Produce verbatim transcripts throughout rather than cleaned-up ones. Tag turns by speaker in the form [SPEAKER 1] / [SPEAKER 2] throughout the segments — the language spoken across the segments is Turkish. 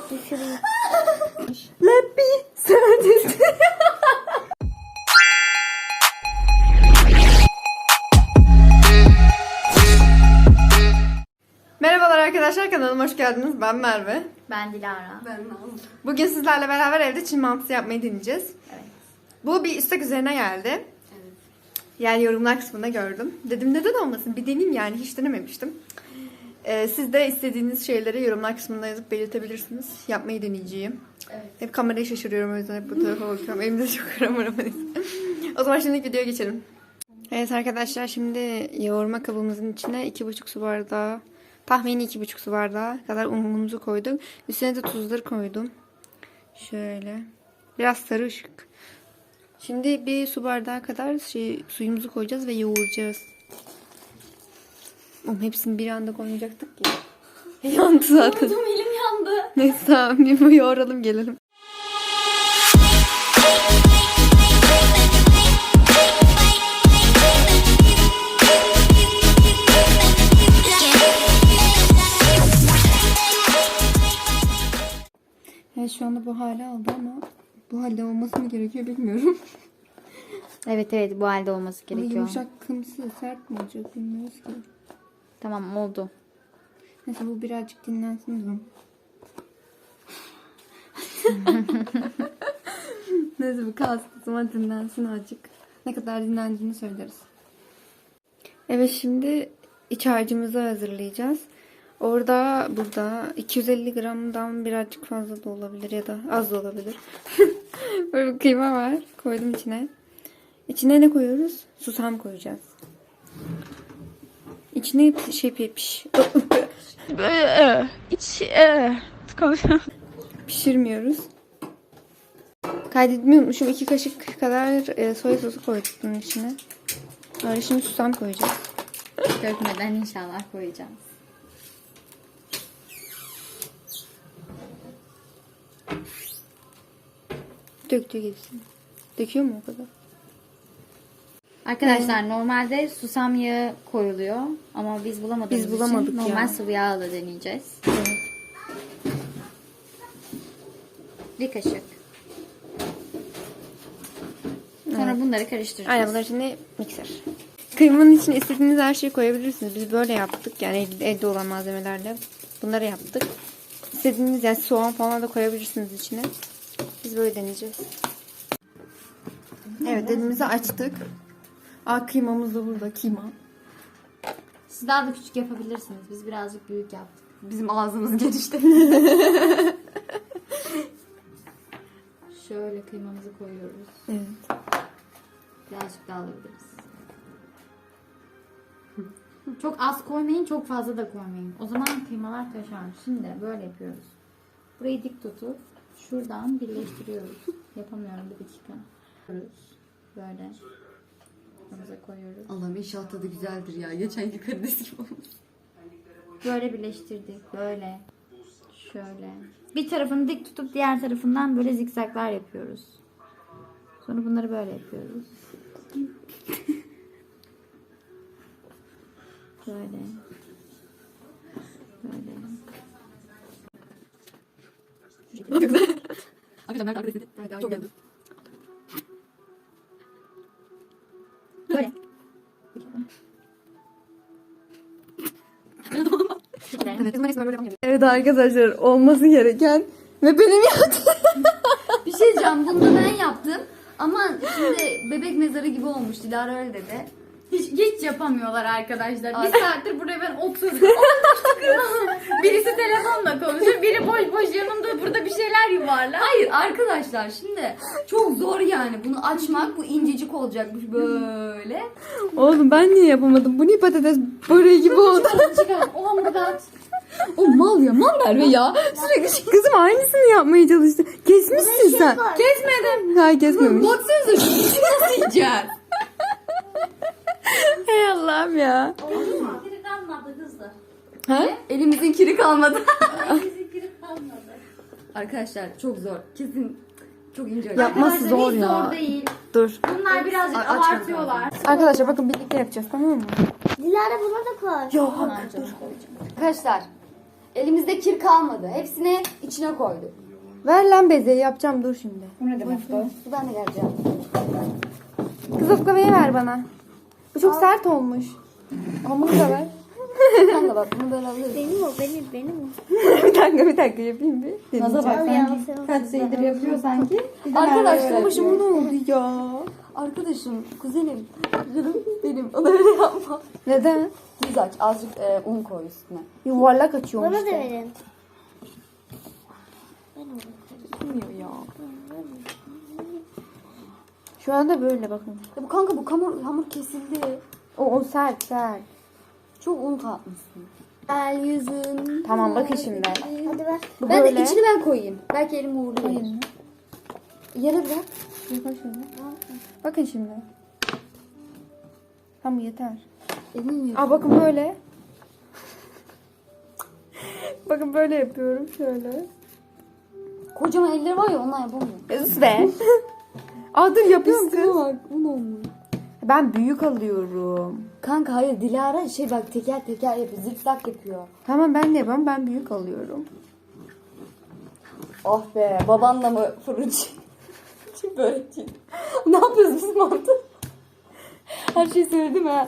[SPEAKER 1] Düşüreyim.
[SPEAKER 2] Let me service. Merhabalar arkadaşlar, kanalıma hoş geldiniz. Ben Merve.
[SPEAKER 1] Ben Dilara.
[SPEAKER 3] Ben Nazlı.
[SPEAKER 2] Bugün sizlerle beraber evde Çin mantısı yapmayı deneyeceğiz.
[SPEAKER 1] Evet.
[SPEAKER 2] Bu bir istek üzerine geldi.
[SPEAKER 3] Evet.
[SPEAKER 2] Yani yorumlar kısmında gördüm. Dedim neden olmasın, bir deneyeyim yani, hiç denememiştim. Ee, siz de istediğiniz şeyleri yorumlar kısmında yazıp belirtebilirsiniz. Yapmayı deneyeceğim.
[SPEAKER 3] Evet.
[SPEAKER 2] Hep kamerayı şaşırıyorum, o yüzden hep bu tarafa bakıyorum. Elimde çok kamera var. O zaman şimdi videoya geçelim. Evet arkadaşlar, şimdi yoğurma kabımızın içine iki buçuk su bardağı, tahmini iki buçuk su bardağı kadar unumuzu koyduk. Üstüne de tuzları koydum. Şöyle. Biraz sarı ışık. Şimdi bir su bardağı kadar şey, suyumuzu koyacağız ve yoğuracağız. Oğlum hepsini bir anda koymayacaktık ki. Yandı zaten.
[SPEAKER 1] Tüm elim yandı.
[SPEAKER 2] Neyse tamam, bir bu yoğuralım gelelim. Evet, şu anda bu hale aldı ama bu halde olması mı gerekiyor bilmiyorum.
[SPEAKER 1] Evet evet, bu halde olması
[SPEAKER 2] Ama
[SPEAKER 1] gerekiyor.
[SPEAKER 2] yumuşak, kımsı, sert mi olacak bilmiyoruz ki.
[SPEAKER 1] Tamam, oldu.
[SPEAKER 2] Neyse bu birazcık dinlensin o zaman. Neyse bu kalsın o zaman, dinlensin azıcık. Ne kadar dinlendiğini söyleriz. Evet, şimdi iç harcımızı hazırlayacağız. Orada burada iki yüz elli gramdan birazcık fazla da olabilir ya da az da olabilir. Böyle bir kıyma var. Koydum içine. İçine ne koyuyoruz? Susam koyacağız. İçine şey piş.
[SPEAKER 4] İç e,
[SPEAKER 2] Pişirmiyoruz. Kaydetmeyi unutmuşum. iki kaşık kadar e, soya sosu koyduk bunun içine. Böyle şimdi susam koyacağız.
[SPEAKER 1] Dökmeden inşallah koyacağız.
[SPEAKER 2] Döktüğü gitsin. Döküyor mu o kadar?
[SPEAKER 1] Arkadaşlar normalde susam yağı koyuluyor ama biz bulamadığımız
[SPEAKER 2] Biz bulamadık
[SPEAKER 1] için normal
[SPEAKER 2] ya.
[SPEAKER 1] sıvı yağla deneyeceğiz.
[SPEAKER 2] Evet.
[SPEAKER 1] Bir kaşık. Sonra
[SPEAKER 2] Evet.
[SPEAKER 1] bunları karıştıracağız.
[SPEAKER 2] Aynen, bunlar şimdi mikser. Kıymanın içine istediğiniz her şeyi koyabilirsiniz. Biz böyle yaptık. Yani evde, evde olan malzemelerle bunları yaptık. İstediğiniz yani soğan falan da koyabilirsiniz içine. Biz böyle deneyeceğiz. Evet, elimizi açtık. Aa, kıymamız da burada. Kıyma.
[SPEAKER 1] Siz daha da küçük yapabilirsiniz. Biz birazcık büyük yaptık.
[SPEAKER 3] Bizim ağzımız genişte.
[SPEAKER 1] Şöyle kıymamızı koyuyoruz.
[SPEAKER 2] Evet.
[SPEAKER 1] Birazcık daha alabiliriz. Çok az koymayın, çok fazla da koymayın. O zaman kıymalar taşar. Şimdi böyle yapıyoruz. Burayı dik tutup şuradan birleştiriyoruz. Yapamıyorum, bir dakika. Böyle. Kafamıza koyuyoruz.
[SPEAKER 3] Allah'ım inşallah tadı güzeldir ya. Geçenki karides gibi olmuş.
[SPEAKER 1] Böyle birleştirdik. Böyle. Şöyle. Bir tarafını dik tutup diğer tarafından böyle zikzaklar yapıyoruz. Sonra bunları böyle yapıyoruz. Böyle. Böyle.
[SPEAKER 3] Arkadaşlar ben karidesi çok geldi.
[SPEAKER 1] Böyle.
[SPEAKER 2] Evet arkadaşlar, olması gereken ve benim yaptığım.
[SPEAKER 3] Bir şey diyeceğim. Bunu da ben yaptım. Ama şimdi bebek mezarı gibi olmuş. Dilara öyle dedi.
[SPEAKER 1] Hiç, hiç yapamıyorlar arkadaşlar.
[SPEAKER 3] Ay.
[SPEAKER 1] Bir saattir buraya ben oturdum. Birisi telefonla konuşuyor, biri boş boş yanımda burada bir şeyler yuvarlar.
[SPEAKER 3] Hayır arkadaşlar, şimdi çok zor yani. Bunu açmak, bu incecik olacakmış böyle.
[SPEAKER 2] Oğlum ben niye yapamadım? Bu niye patates böreği gibi oldu?
[SPEAKER 1] Çıkar, o hamburger at.
[SPEAKER 3] O mal ya, mal Merve ya.
[SPEAKER 2] Sürekli kızım aynısını yapmaya çalıştı. Kesmişsin sen.
[SPEAKER 3] Kesmedim.
[SPEAKER 2] Hayır, kesmemiş.
[SPEAKER 3] Baksanıza şu işi nasıl yiyeceğiz?
[SPEAKER 2] Hey Allah'ım ya.
[SPEAKER 1] Biri kalmadı kızlar.
[SPEAKER 2] Ha?
[SPEAKER 3] Elimizin kiri kalmadı.
[SPEAKER 1] Biri kalmadı.
[SPEAKER 3] Arkadaşlar çok zor. Kesin çok ince.
[SPEAKER 2] Yapması
[SPEAKER 1] Arkadaşlar,
[SPEAKER 2] zor
[SPEAKER 1] hiç
[SPEAKER 2] ya.
[SPEAKER 1] zor değil.
[SPEAKER 2] Dur.
[SPEAKER 1] Bunlar birazcık
[SPEAKER 3] Aç bakalım.
[SPEAKER 1] abartıyorlar.
[SPEAKER 2] Arkadaşlar bakın, birlikte yapacağız, tamam mı?
[SPEAKER 5] Dilara buna da koy.
[SPEAKER 2] Yok.
[SPEAKER 1] Bunlar canım koyacağım.
[SPEAKER 3] Arkadaşlar Elimizde kir kalmadı. Hepsini içine koyduk.
[SPEAKER 2] Ver lan bezeyi yapacağım dur şimdi.
[SPEAKER 1] Bu ne demek bu?
[SPEAKER 3] Ben de geleceğim.
[SPEAKER 2] Kız oklavayı ver bana. Bu çok sert olmuş. Hamuru da ver.
[SPEAKER 3] Kanka bak bunu böyle alıyoruz.
[SPEAKER 4] Benim o benim benim o.
[SPEAKER 2] bir dakika bir dakika yapayım bir.
[SPEAKER 1] Naza bak
[SPEAKER 4] Ya,
[SPEAKER 1] sanki
[SPEAKER 4] sen-
[SPEAKER 1] kaç senedir yapıyor sanki. Bir de
[SPEAKER 3] Arkadaşlar,
[SPEAKER 1] Merve
[SPEAKER 2] Başıma
[SPEAKER 1] yapıyor.
[SPEAKER 2] ne oldu ya?
[SPEAKER 3] Arkadaşım, kuzenim, canım benim. Ona öyle yapma.
[SPEAKER 2] Neden?
[SPEAKER 3] Düz aç. Azıcık e, un koy üstüne.
[SPEAKER 2] Yuvarlak açıyorum
[SPEAKER 4] Bana da
[SPEAKER 2] işte.
[SPEAKER 4] verin.
[SPEAKER 2] Bilmiyor ya. Şu anda böyle bakın.
[SPEAKER 3] Ya bu kanka bu hamur, hamur kesildi.
[SPEAKER 2] O, o sert sert.
[SPEAKER 3] Çok un katmışsın. El yüzün.
[SPEAKER 2] Tamam bakın şimdi.
[SPEAKER 4] Hadi ver.
[SPEAKER 2] Bu
[SPEAKER 3] Ben
[SPEAKER 2] böyle.
[SPEAKER 3] de içini ben koyayım. Belki elim uğurlu gelir. Yere bırak.
[SPEAKER 2] Yapar şöyle. Bakın şimdi. Tamam yeter.
[SPEAKER 3] Elini mi?
[SPEAKER 2] Aa bakın böyle. bakın böyle yapıyorum şöyle.
[SPEAKER 3] Kocaman elleri var ya ondan yapamıyorum.
[SPEAKER 2] Sus be. Aa dur yapıyorum
[SPEAKER 3] Üstüne
[SPEAKER 2] kız.
[SPEAKER 3] bak. Un olmuş.
[SPEAKER 2] Ben büyük alıyorum.
[SPEAKER 3] Kanka hayır Dilara şey bak teker teker yapıyor. Zikzak yapıyor.
[SPEAKER 2] Tamam ben de yapıyorum. Ben büyük alıyorum.
[SPEAKER 3] Oh be babanla mı fırıncı? Kim börekçi? Ne yapıyoruz biz mantı? Her şeyi söyledim ha.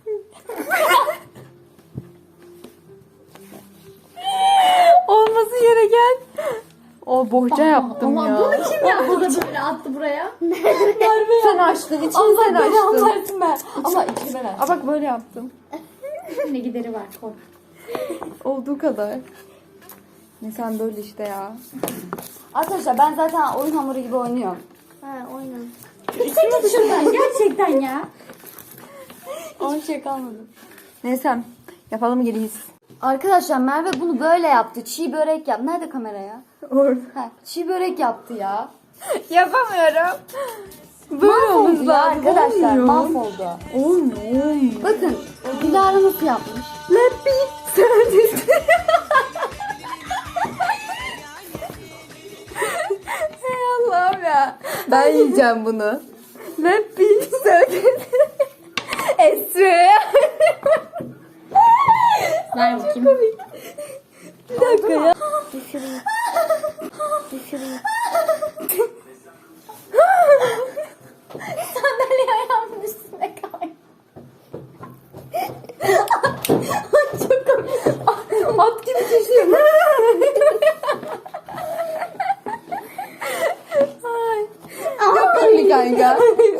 [SPEAKER 2] Olması gereken. O bohça yaptım
[SPEAKER 1] Ama
[SPEAKER 2] ya.
[SPEAKER 1] bunu kim yaptı da böyle attı buraya?
[SPEAKER 2] Sen açtın. İçini
[SPEAKER 3] Allah
[SPEAKER 2] sen
[SPEAKER 3] beni
[SPEAKER 2] açtın.
[SPEAKER 3] anlarsın ben. Ama içini ben
[SPEAKER 2] Aa
[SPEAKER 3] açtım.
[SPEAKER 2] bak böyle yaptım.
[SPEAKER 1] Ne gideri var koy.
[SPEAKER 2] Olduğu kadar. Ne sen böyle işte ya.
[SPEAKER 3] Arkadaşlar ben zaten oyun hamuru gibi oynuyorum.
[SPEAKER 4] Ha oynan.
[SPEAKER 1] Çekil şuradan gerçekten ya.
[SPEAKER 3] Hiçbir şey kalmadı.
[SPEAKER 2] Neyse yapalım geriyiz.
[SPEAKER 3] Arkadaşlar Merve bunu böyle yaptı. Çiğ börek yaptı. Nerede kamera ya?
[SPEAKER 2] Orada.
[SPEAKER 3] Ha, çiğ börek yaptı ya.
[SPEAKER 2] Yapamıyorum. Böyle
[SPEAKER 3] Mahvoldu
[SPEAKER 2] olması
[SPEAKER 3] ya
[SPEAKER 2] lazım.
[SPEAKER 3] arkadaşlar.
[SPEAKER 2] Olmuyor.
[SPEAKER 3] Mahvoldu.
[SPEAKER 2] Olmuyor. Olmuyor.
[SPEAKER 3] Bakın Dilara nasıl yapmış?
[SPEAKER 2] Let me service. Hey Allah'ım ya. Ben yiyeceğim bunu. Let me service. Esre.
[SPEAKER 1] Ver bakayım.
[SPEAKER 2] Bir dakika ya.
[SPEAKER 4] Düşüreyim. Düşüreyim.
[SPEAKER 1] Sandalye ayağımın üstüne koy.
[SPEAKER 2] Çok komik. At gibi düşüyor. Ay. Yapayım mı kanka?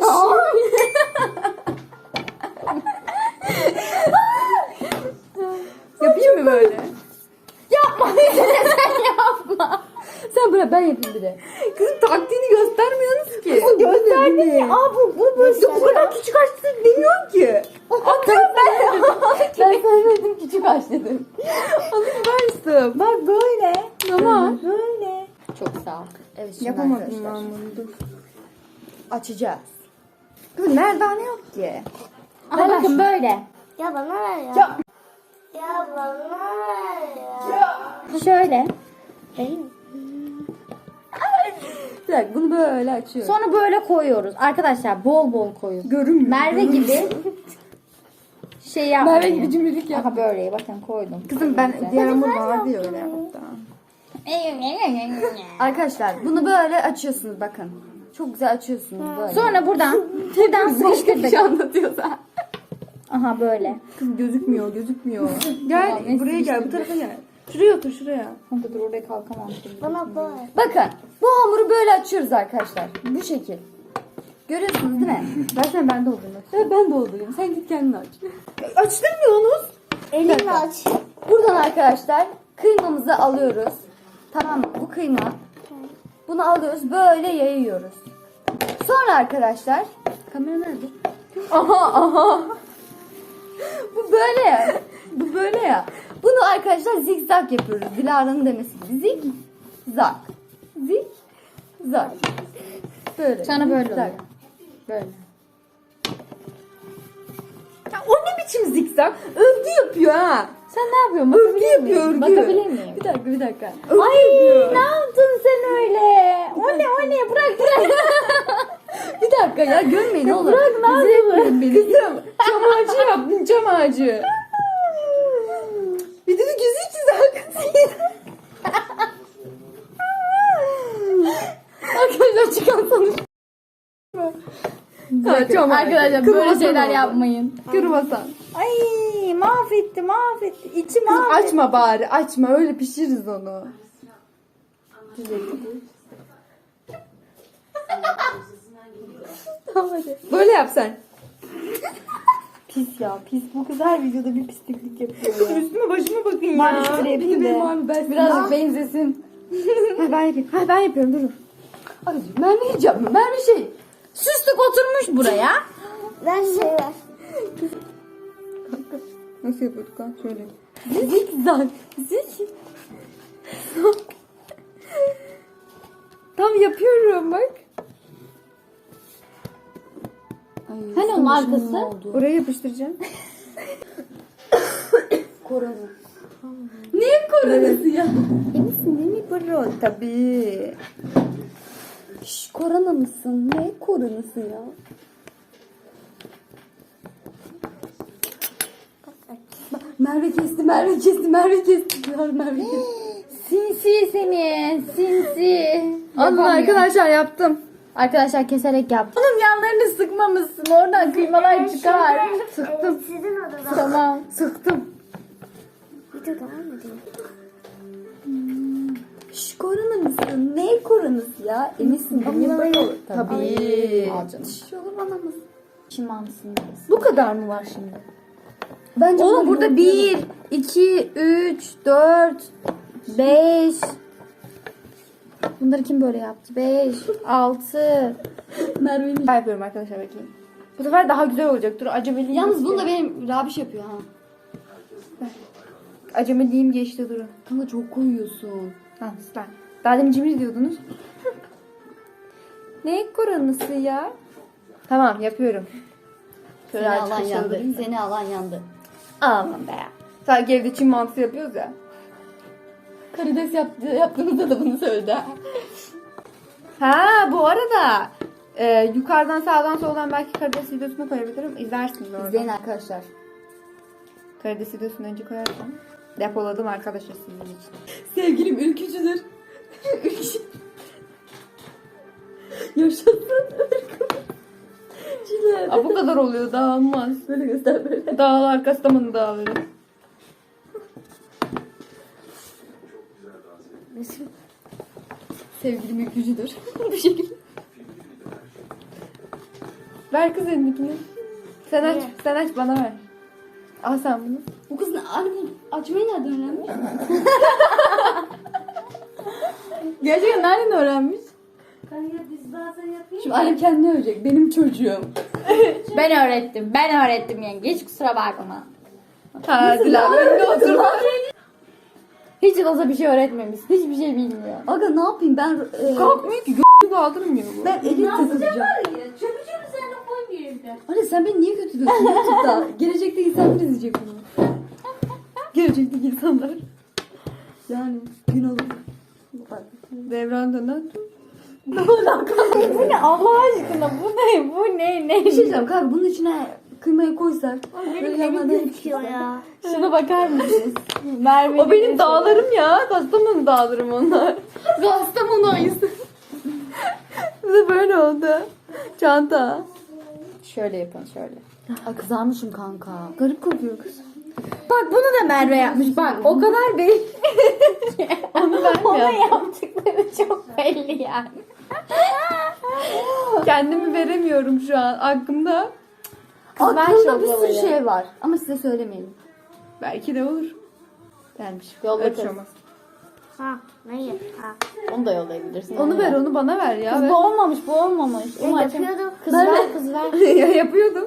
[SPEAKER 2] Yapayım mı böyle?
[SPEAKER 3] Yapma. Yapma. Sen bırak ben yapayım bir de.
[SPEAKER 2] Kızım taktiğini göstermiyorsunuz ki. Kızım
[SPEAKER 4] Gösterdin ya. Aa bu bu bu.
[SPEAKER 2] Bu kadar küçük açtın demiyorum ki. Atıyorum ben.
[SPEAKER 3] Ben söylemedim küçük aç dedim.
[SPEAKER 2] Alıversin. Bak böyle. Tamam. Böyle.
[SPEAKER 3] Çok sağ ol. Evet şimdi
[SPEAKER 2] Yapamadım
[SPEAKER 3] arkadaşlar.
[SPEAKER 2] ben bunu dur.
[SPEAKER 3] Açacağız.
[SPEAKER 2] Kızım merdane yok ki.
[SPEAKER 1] Aha bakın böyle.
[SPEAKER 4] Ya bana ver ya.
[SPEAKER 2] Ya.
[SPEAKER 4] Ya bana ver ya.
[SPEAKER 1] Şöyle.
[SPEAKER 4] Benim.
[SPEAKER 3] Bir dakika bunu böyle açıyoruz.
[SPEAKER 1] Sonra böyle koyuyoruz. Arkadaşlar bol bol koyun.
[SPEAKER 2] Görünmüyor.
[SPEAKER 1] Merve gibi şey yapmayın.
[SPEAKER 3] Merve gibi cimrilik yap.
[SPEAKER 1] Aha böyle bakın koydum.
[SPEAKER 2] Kızım ben diğer hamur vardı ya öyle hatta.
[SPEAKER 3] Arkadaşlar bunu böyle açıyorsunuz bakın. Çok güzel açıyorsunuz böyle.
[SPEAKER 1] Sonra buradan buradan sıkıştırdık.
[SPEAKER 3] şey anlatıyorsa.
[SPEAKER 1] Aha böyle.
[SPEAKER 2] Kızım gözükmüyor gözükmüyor. Gel
[SPEAKER 1] neyse
[SPEAKER 2] buraya gel bu tarafa gel. Şuraya otur şuraya.
[SPEAKER 1] Kanka dur oraya kalkamam şimdi.
[SPEAKER 4] Bana ver.
[SPEAKER 3] Bakın bu hamuru böyle açıyoruz arkadaşlar. Bu şekil. Görüyorsunuz değil mi?
[SPEAKER 2] Versene ben de oldum.
[SPEAKER 3] Evet ben doldurayım. Sen git kendin aç.
[SPEAKER 2] Açtırmıyorsunuz.
[SPEAKER 4] Elinle aç.
[SPEAKER 3] Buradan arkadaşlar kıymamızı alıyoruz. Tamam mı? Bu kıyma. Bunu alıyoruz böyle yayıyoruz. Sonra arkadaşlar kamera nerede? Aha aha. Bu böyle ya. Bu böyle ya. Bunu arkadaşlar zigzag yapıyoruz. Dilara'nın demesi gibi. Zigzag. Zigzag. Böyle.
[SPEAKER 1] Sana böyle
[SPEAKER 3] Zigzag.
[SPEAKER 1] oluyor. Böyle.
[SPEAKER 2] Ya o ne biçim zikzak? Örgü yapıyor ha.
[SPEAKER 1] Sen ne yapıyorsun?
[SPEAKER 2] Örgü
[SPEAKER 1] Bakabilir
[SPEAKER 2] yapıyor
[SPEAKER 1] miyim?
[SPEAKER 2] örgü.
[SPEAKER 1] Bakabilir miyim?
[SPEAKER 3] Bir dakika bir dakika.
[SPEAKER 2] Örgü
[SPEAKER 1] Ay
[SPEAKER 2] yapıyor.
[SPEAKER 1] ne yaptın sen öyle? O ne o ne? Bırak bırak.
[SPEAKER 3] Bir dakika ya görmeyin oğlum.
[SPEAKER 1] Bırak ne yapıyorsun?
[SPEAKER 2] Kızım çam ağacı yaptın çam ağacı. Bir de gözü çizer.
[SPEAKER 3] çıkan sonuç.
[SPEAKER 2] Ha, çok
[SPEAKER 1] Arkadaşlar böyle
[SPEAKER 2] Kırmasan
[SPEAKER 1] şeyler
[SPEAKER 2] oldu.
[SPEAKER 1] yapmayın.
[SPEAKER 2] Kırmasan.
[SPEAKER 1] Ay mahvetti mahvetti. İçi
[SPEAKER 2] Kızım
[SPEAKER 1] mahvetti.
[SPEAKER 2] açma bari açma öyle pişiririz onu.
[SPEAKER 3] Tamam hadi.
[SPEAKER 2] Böyle yap sen.
[SPEAKER 3] Pis ya pis. Bu kız her videoda bir pisliklik yapıyor ya.
[SPEAKER 2] Üstüme başıma bakın ya.
[SPEAKER 3] Ben şöyle yapayım
[SPEAKER 2] Benim
[SPEAKER 3] da.
[SPEAKER 2] abi ben
[SPEAKER 3] Birazcık benzesin.
[SPEAKER 2] Ha, ben yapayım. Ha, ben yapıyorum durun.
[SPEAKER 3] Ay Merve hiç yapma. Merve şey.
[SPEAKER 1] Süslük oturmuş buraya.
[SPEAKER 4] Ver şey ver.
[SPEAKER 2] Nasıl yapıyorduk lan? Şöyle.
[SPEAKER 3] Zikzak. Zik.
[SPEAKER 2] Tam yapıyorum bak.
[SPEAKER 3] Ay,
[SPEAKER 1] Hani onun
[SPEAKER 3] sana
[SPEAKER 1] arkası?
[SPEAKER 3] şunun oldu.
[SPEAKER 2] Oraya yapıştıracağım.
[SPEAKER 3] Korona.
[SPEAKER 2] Niye koronası ya? Eminsin değil mi bro? Tabii.
[SPEAKER 3] Şş, korona mısın? Ne koronası ya? Merve kesti, Merve kesti, Merve kesti. Ya Merve kesti.
[SPEAKER 1] Sinsi seni. Sinsi.
[SPEAKER 2] Alın
[SPEAKER 1] Yapamıyor.
[SPEAKER 2] arkadaşlar yaptım.
[SPEAKER 1] Arkadaşlar keserek yaptım. Onun yanlarını sıkmamışsın. Oradan kıymalar çıkar.
[SPEAKER 4] Sıktım. Sizin odada.
[SPEAKER 1] Tamam.
[SPEAKER 2] Sıktım.
[SPEAKER 4] Video devam ediyor.
[SPEAKER 3] Şş, korona mısın? Ne koronası ya? Eminsin değil mi? Böyle olur.
[SPEAKER 2] Tabii.
[SPEAKER 3] Al canım. Şş, olur bana mısın?
[SPEAKER 1] Şimansın.
[SPEAKER 2] Bu kadar mı var şimdi?
[SPEAKER 3] Bence
[SPEAKER 1] Oğlum
[SPEAKER 3] bunu
[SPEAKER 1] burada
[SPEAKER 3] yok
[SPEAKER 1] bir,
[SPEAKER 3] diyorum.
[SPEAKER 1] iki, üç, dört, beş. Bunları kim böyle yaptı? Beş, altı.
[SPEAKER 3] Merve'nin.
[SPEAKER 2] Ben yapıyorum arkadaşlar bekleyin. Bu sefer daha güzel olacak. Dur acemiliğim.
[SPEAKER 3] Yalnız bunu da benim Rabiş yapıyor ha.
[SPEAKER 2] Acemiliğim geçti durun.
[SPEAKER 3] Kanka çok koyuyorsun.
[SPEAKER 2] Ha süper. Daha demin cimri diyordunuz. Ne koronası ya? Tamam yapıyorum. Şöyle
[SPEAKER 3] Seni
[SPEAKER 2] artık
[SPEAKER 3] alan yandı.
[SPEAKER 2] aşağıda.
[SPEAKER 3] Seni alan yandı.
[SPEAKER 2] Aman be ya. Sanki evde Çin mantısı yapıyoruz ya.
[SPEAKER 3] Karides yaptı, yaptığınızda da bunu söyledi.
[SPEAKER 2] Ha bu arada e, yukarıdan sağdan soldan belki karides videosunu koyabilirim. İzlersiniz orada.
[SPEAKER 3] İzleyin arkadaşlar.
[SPEAKER 2] Karides videosunu önce koyarsam. Depoladım arkadaşlar sizin için.
[SPEAKER 3] Sevgilim ülkücüdür. Ülkücü. Yaşasın ülkücüler.
[SPEAKER 2] Aa, bu kadar oluyor daha olmaz.
[SPEAKER 3] Böyle göster böyle.
[SPEAKER 2] Dağlar Kastamonu dağları.
[SPEAKER 3] Sevgilim ülkücüdür.
[SPEAKER 2] Bu şekilde. Ver kız elindekini. Sen aç, sen aç bana ver. Al sen bunu.
[SPEAKER 3] Bu kız ne? Hani bu açmayı nereden öğrenmiş?
[SPEAKER 1] Gerçekten nereden öğrenmiş?
[SPEAKER 4] Kanka biz bazen yapıyoruz.
[SPEAKER 3] Şimdi annem kendini övecek. Benim çocuğum.
[SPEAKER 1] Ben öğrettim. Ben öğrettim yenge. Hiç kusura bakma.
[SPEAKER 2] Ha Dilan önünde otur.
[SPEAKER 1] Hiç olsa bir şey öğretmemiş. Hiçbir şey bilmiyor.
[SPEAKER 3] Aga ne yapayım ben... E,
[SPEAKER 2] Kalkmıyor ki gö**ü kaldırmıyor bu.
[SPEAKER 3] ben elim takılacağım.
[SPEAKER 4] Çöpücü üzerine koy bir evde.
[SPEAKER 3] Anne sen beni niye kötülüyorsun YouTube'da? Gelecekteki insanlar izleyecek bunu. Gelecekteki insanlar. Yani gün olur.
[SPEAKER 2] Devran dönen.
[SPEAKER 1] Bu ne Allah aşkına? Bu ne? Bu ne? Ne?
[SPEAKER 3] Bir şey diyeceğim kanka bunun içine kıymayı koysak. Böyle yanına da
[SPEAKER 4] Gözüküyor ya.
[SPEAKER 1] Şuna bakar mısınız? Merve.
[SPEAKER 2] O benim dağlarım ya. Kastamonu dağlarım onlar.
[SPEAKER 1] Kastamonu ayısı.
[SPEAKER 2] Bize böyle oldu. Çanta.
[SPEAKER 1] Şöyle yapın şöyle.
[SPEAKER 3] Ay kızarmışım kanka.
[SPEAKER 2] Garip kokuyor kız.
[SPEAKER 1] Bak bunu da Merve yapmış. Bak o kadar belli.
[SPEAKER 2] Onu ben mi
[SPEAKER 1] Ona
[SPEAKER 2] yaptım?
[SPEAKER 1] yaptıkları çok belli yani.
[SPEAKER 2] Kendimi veremiyorum şu an aklımda.
[SPEAKER 1] Kız ver
[SPEAKER 3] Aklımda bir sürü
[SPEAKER 1] şoklavayı.
[SPEAKER 3] şey var. Ama size söylemeyelim.
[SPEAKER 2] Belki de olur. Gelmiş.
[SPEAKER 1] Yolla
[SPEAKER 2] Öyle
[SPEAKER 1] kız.
[SPEAKER 2] şey olmaz.
[SPEAKER 4] Ha. Neyi? Ha.
[SPEAKER 1] Onu da yollayabilirsin.
[SPEAKER 2] Onu ver onu bana ver ya.
[SPEAKER 1] Kız
[SPEAKER 2] Ver.
[SPEAKER 1] bu olmamış bu olmamış.
[SPEAKER 4] Ya
[SPEAKER 1] Onu açam-
[SPEAKER 4] yapıyordum.
[SPEAKER 1] Kız
[SPEAKER 3] Merve.
[SPEAKER 1] ver kız ver.
[SPEAKER 2] ya yapıyordum.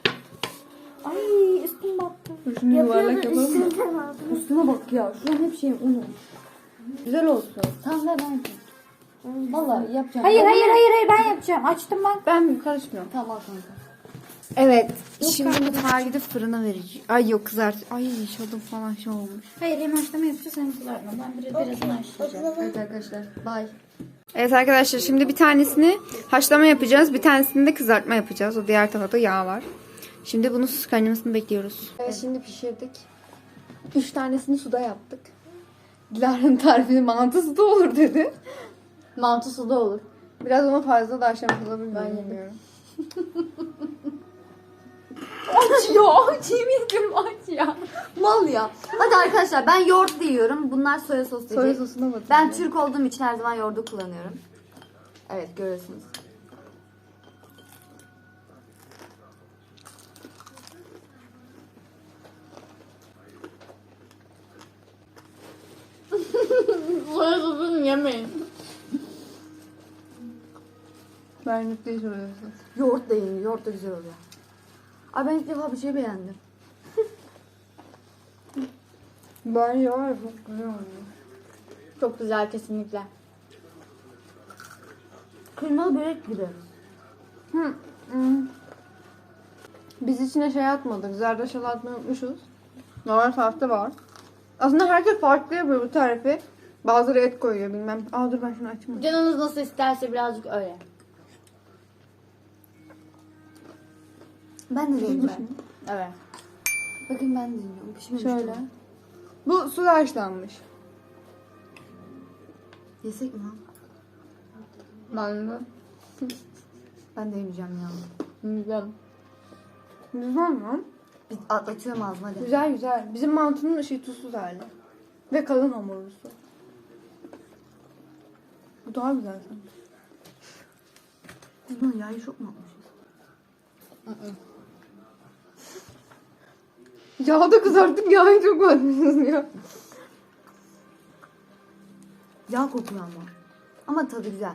[SPEAKER 1] Ay üstüm battı.
[SPEAKER 2] Dur şunu yuvarlak
[SPEAKER 4] Yapıyordum.
[SPEAKER 2] yapalım. mı?
[SPEAKER 4] Üstünden aldım.
[SPEAKER 3] Üstüne bak ya. Şu an hep şeyim unum.
[SPEAKER 2] Güzel olsun.
[SPEAKER 3] Tamam ver ben yapayım. Vallahi yapacağım.
[SPEAKER 1] Hayır hayır hayır hayır ben yapacağım. Açtım bak.
[SPEAKER 2] Ben karışmıyorum.
[SPEAKER 3] Tamam al kanka.
[SPEAKER 2] Evet. Şimdi mutfağa gidip fırına vereceğim. Ay yok kızart. Ay şadım falan şey olmuş.
[SPEAKER 1] Hayır hem haşlama yapacağız hem kızartma. Ben biraz birazını haşlayacağım.
[SPEAKER 3] Evet arkadaşlar. Bye.
[SPEAKER 2] Evet arkadaşlar şimdi bir tanesini haşlama yapacağız. Bir tanesini de kızartma yapacağız. O diğer tarafta yağ var. Şimdi bunun sus kaynamasını bekliyoruz. Evet şimdi pişirdik. Üç tanesini suda yaptık. Dilara'nın tarifini mantısı da olur dedi.
[SPEAKER 1] Mantısı da olur.
[SPEAKER 2] Biraz onu fazla da aşamak olabilir.
[SPEAKER 1] Ben yedim.
[SPEAKER 2] bilmiyorum.
[SPEAKER 1] Aç ya. Aç yemin ediyorum aç ya.
[SPEAKER 3] Mal ya. Hadi arkadaşlar ben yoğurt yiyorum. Bunlar soya sosu
[SPEAKER 2] Soya
[SPEAKER 3] diyecek.
[SPEAKER 2] sosuna batırdım.
[SPEAKER 3] Ben Türk olduğum için her zaman yoğurdu kullanıyorum. Evet görüyorsunuz.
[SPEAKER 1] Soya sosunu yemeyin.
[SPEAKER 2] Benlik değil soya sosu.
[SPEAKER 3] Yoğurt da yenir. Yoğurt da güzel oluyor. Ay ben ilk defa bir şey beğendim.
[SPEAKER 2] Bence var ya çok güzel oluyor.
[SPEAKER 1] Çok güzel kesinlikle.
[SPEAKER 3] Kıymalı börek gibi.
[SPEAKER 2] Hı. hı. Biz içine şey atmadık. Zerdeçal atmayı unutmuşuz. Normal tarifte var. Aslında herkes farklı yapıyor bu tarifi. Bazıları et koyuyor bilmem. Aa dur ben şunu açayım.
[SPEAKER 1] Canınız nasıl isterse birazcık öyle.
[SPEAKER 3] Ben de deneyeceğim.
[SPEAKER 1] Evet.
[SPEAKER 3] Bakın ben de deniyorum. Pişmemiş
[SPEAKER 2] Şöyle.
[SPEAKER 3] mi?
[SPEAKER 2] Bu su haşlanmış.
[SPEAKER 3] Yesek mi?
[SPEAKER 1] Ben de.
[SPEAKER 3] Ben de yemeyeceğim ya.
[SPEAKER 1] Güzel.
[SPEAKER 2] Güzel mi?
[SPEAKER 3] Bir atlatıyorum ağzıma hadi.
[SPEAKER 2] Güzel güzel. Bizim mantının şey tuzsuz hali. Ve kalın hamurlusu. Bu daha güzel sanki.
[SPEAKER 3] Biz bunu yağı çok mu atmışız?
[SPEAKER 2] Yağda kızarttık yağı çok atmışız ya.
[SPEAKER 3] Yağ kokuyor ama. Ama tadı güzel.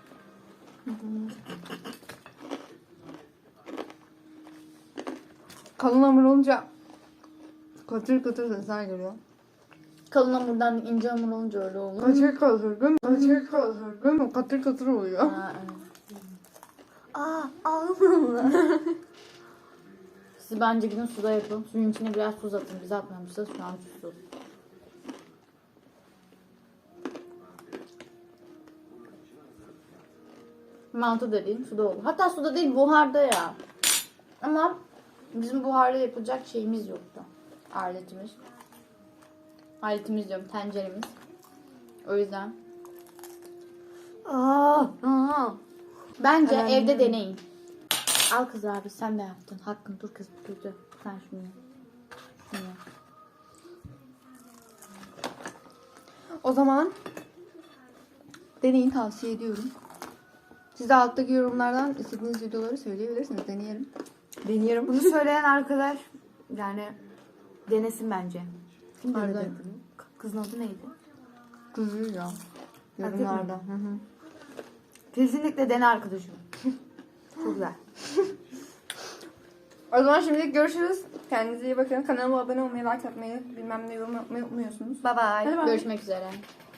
[SPEAKER 2] Kalın hamur olunca katır katır sesler geliyor.
[SPEAKER 1] Kalın hamurdan ince hamur olunca öyle olur.
[SPEAKER 2] Katır katır değil mi? Katır katır değil mi? Katır katır oluyor.
[SPEAKER 1] Ha, evet.
[SPEAKER 3] Aa ağzımla.
[SPEAKER 1] Siz bence gidin suda yapın. Suyun içine biraz tuz atın. Biz atmamışız. Şu an tuzsuz. Mantı dediğim suda olur. Hatta suda değil buharda ya. Ama bizim buharda yapılacak şeyimiz yoktu. Aletimiz. Aletimiz diyorum tenceremiz. O yüzden.
[SPEAKER 3] Aa, aa.
[SPEAKER 1] Bence
[SPEAKER 3] Evet.
[SPEAKER 1] evde deneyin. Al kız abi sen de yaptın. Hakkın dur kız dur dur. Sen şunu yap. Şunu yap.
[SPEAKER 2] O zaman deneyin tavsiye ediyorum. Siz de alttaki yorumlardan istediğiniz videoları söyleyebilirsiniz. Deneyelim. Deneyelim.
[SPEAKER 3] Bunu söyleyen arkadaş yani denesin bence. Kim
[SPEAKER 2] Nereden?
[SPEAKER 3] denedi? Kızın adı neydi?
[SPEAKER 2] Kızıyor ya. Yorumlarda. Hı hı.
[SPEAKER 3] Kesinlikle dene arkadaşım. Çok güzel.
[SPEAKER 2] O zaman şimdilik görüşürüz. Kendinize iyi bakın. Kanalıma abone olmayı, like atmayı, bilmem ne yorum yapmayı unutmuyorsunuz.
[SPEAKER 3] Bye bye.
[SPEAKER 2] Hadi bay.
[SPEAKER 1] Görüşmek üzere.